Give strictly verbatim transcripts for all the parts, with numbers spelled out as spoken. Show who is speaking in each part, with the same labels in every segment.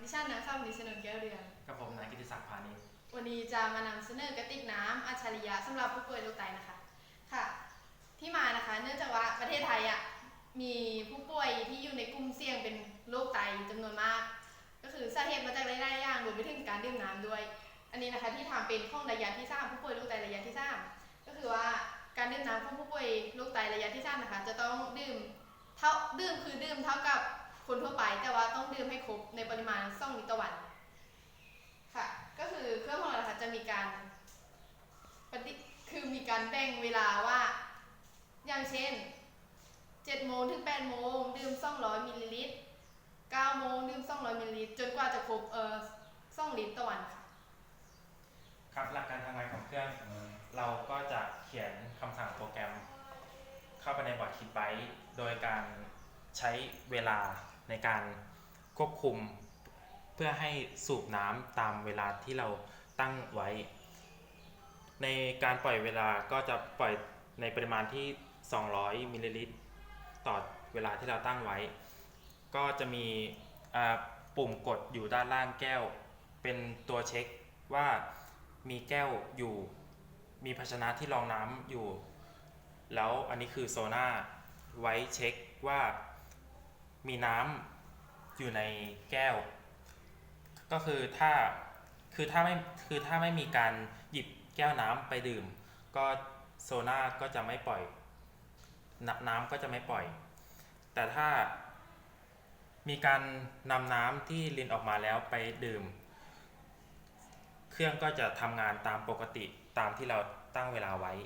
Speaker 1: ดิฉันนางสาวนิชนนท์แก้วเรือง
Speaker 2: กับผมนายกิติศักดิ์พานิช
Speaker 1: วันนี้จะมานำเสนอกระติกน้ำอัจฉริยะสำหรับผู้ป่วยโรคไตนะคะค่ะที่มานะคะเนื่องจากว่าประเทศไทยอ่ะมีผู้ป่วยที่อยู่ในกลุ่มเสี่ยงเป็นโรคไตจำนวนมากก็คือสาเหตุมาจากหลายๆอย่างรวมไปถึงการดื่มน้ำด้วยอันนี้นะคะที่ทำเป็นข้องระยะที่สามผู้ป่วยโรคไตระยะที่สามก็คือว่าการดื่มน้ำของผู้ป่วยโรคไตระยะที่สามนะคะจะต้องดื่มเท่าดื่มคือดื่มเท่ากับคนทั่วไปแต่ว่าต้องดื่มให้ครบในปริมาณสองลิตรต่อวันค่ะก็คือเครื่องของเราค่ะจะมีการปฏิคือมีการแบ่งเวลาว่าอย่างเช่นเจ็ดโมงถึงแปดโมงดื่มสองร้อยมิลลิลิตรเก้าโมงดื่มสองร้อยมิลลิลิตรจนกว่าจะครบเอ่อสองลิตรต่อวันค่ะ
Speaker 2: ครับหลักการทำงานของเครื่องเราก็จะเขียนคำสั่งโปรแกรมเข้าไปในบอร์ดคิดไบต์โดยการใช้เวลาในการควบคุมเพื่อให้สูบน้ำตามเวลาที่เราตั้งไว้ในการปล่อยเวลาก็จะปล่อยในปริมาณที่สองร้อยมิลลิลิตรต่อเวลาที่เราตั้งไว้ก็จะมีปุ่มกดอยู่ด้านล่างแก้วเป็นตัวเช็คว่ามีแก้วอยู่มีภาชนะที่รองน้ำอยู่แล้วอันนี้คือโซน่าไว้เช็คว่ามีน้ำอยู่ในแก้วก็คือถ้าคือถ้าไม่คือถ้าไม่มีการหยิบแก้วน้ำไปดื่มก็โซน่าก็จะไม่ปล่อยน้ำก็จะไม่ปล่อยแต่ถ้ามีการนำน้ำที่รินออกมาแล้วไปดื่มเครื่องก็จะทำงานตามปกติตามที่เราตั้งเวลาไว้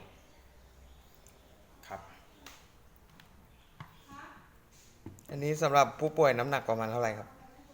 Speaker 2: ครับ
Speaker 3: อันนี้สำหรับผู้ป่วยน้ำหนักประมาณเท่าไหร่ครับ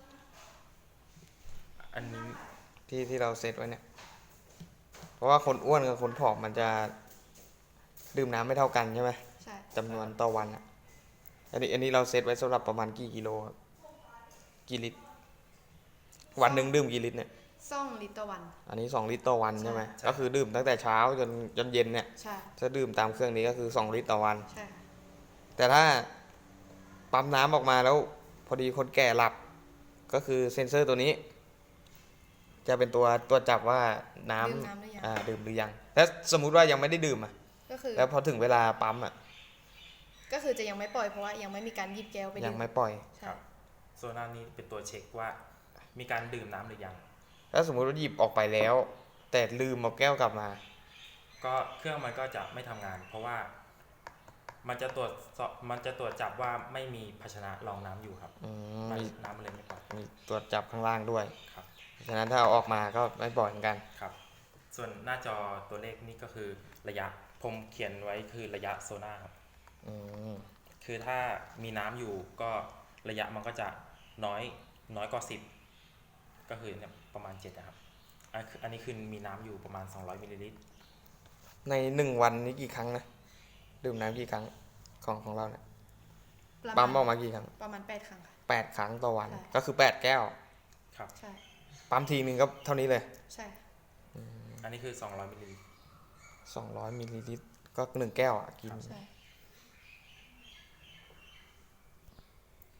Speaker 2: อันนี้
Speaker 3: ที่ที่เราเซตไว้เนี่ยเพราะว่าคนอ้วนกับคนผอมมันจะดื่มน้ำไม่เท่ากันใช่ไหม
Speaker 1: ใช่
Speaker 3: จำนวนต่อวันอ่ะอันนี้อันนี้เราเซตไว้สำหรับประมาณกี่กิโลครับกี่ลิตรวันหนึ่งดื่มกี่ลิตรเนี่ย
Speaker 1: สองลิตรต่อวัน
Speaker 3: อันนี้สองลิตรต่อวันใช่ไหมก็คือดื่มตั้งแต่เช้าจนจนเย็นเนี่ย
Speaker 1: ใช่
Speaker 3: ถ้าดื่มตามเครื่องนี้ก็คือสองลิตรต่อวัน
Speaker 1: ใช่
Speaker 3: แต่ถ้าปั๊มน้ำออกมาแล้วพอดีคนแก่หลับก็คือเซ็นเซอร์ตัวนี้จะเป็นตัวตัวจับว่าน้ำอ่าดื่มหรือยังแล้วสมมุติว่ายังไม่ได้ดื่มอ่ะ
Speaker 1: ก็คือ
Speaker 3: แล้วพอถึงเวลาปั๊มอ่ะ
Speaker 1: ก็คือจะยังไม่ปล่อยเพราะว่ายังไม่มีการหยิบแก้วไปดื่ม
Speaker 3: ยังไม่ปล่อย
Speaker 2: ครับโซน่านี้เป็นตัวเช็คว่ามีการดื่มน้ำหรือยัง
Speaker 3: ถ้าสมมุติว่าหยิบออกไปแล้วแต่ลืมเอาแก้วกลับมา
Speaker 2: ก็เครื่องมันก็จะไม่ทำงานเพราะว่ามันจะตรวจมันจะตรวจจับว่าไม่มีภาชนะรองน้ำอยู่ครับน้ำมันเลยไม่ปล่อย
Speaker 3: มีตรวจจับข้างล่างด้วย
Speaker 2: ครับ
Speaker 3: ฉะนั้นถ้าเอาออกมาก็ไม่ปล่อยเหมือนกัน
Speaker 2: ครับส่วนหน้าจอตัวเลขนี่ก็คือระยะผมเขียนไว้คือระยะโซน่าครับคือถ้ามีน้ำอยู่ก็ระยะมันก็จะน้อยน้อยกว่าสิบก็คือประมาณเจ็ดนะครับอันนี้คือมีน้ำอยู่ประมาณสองร้อยมิลลิลิตร
Speaker 3: ในหนึ่งวันนี้กี่ครั้งนะดื่มน้ำกี่ครั้งของของเราเนี่ยปั๊มออกมากี่ครั้ง
Speaker 1: ประมาณแปดครั้งค่ะ
Speaker 3: แปดครั้งต่อวันก็คือแปดแก้ว
Speaker 2: ครับ
Speaker 1: ใช่
Speaker 3: ปั๊มทีนึงก็เท่านี้เลย
Speaker 1: ใช่
Speaker 2: อันนี้คือสองร้อยมิลลิลิตร
Speaker 3: สองร้อยมิลลิลิตรก็หนึ่งแก้วอ่ะกิน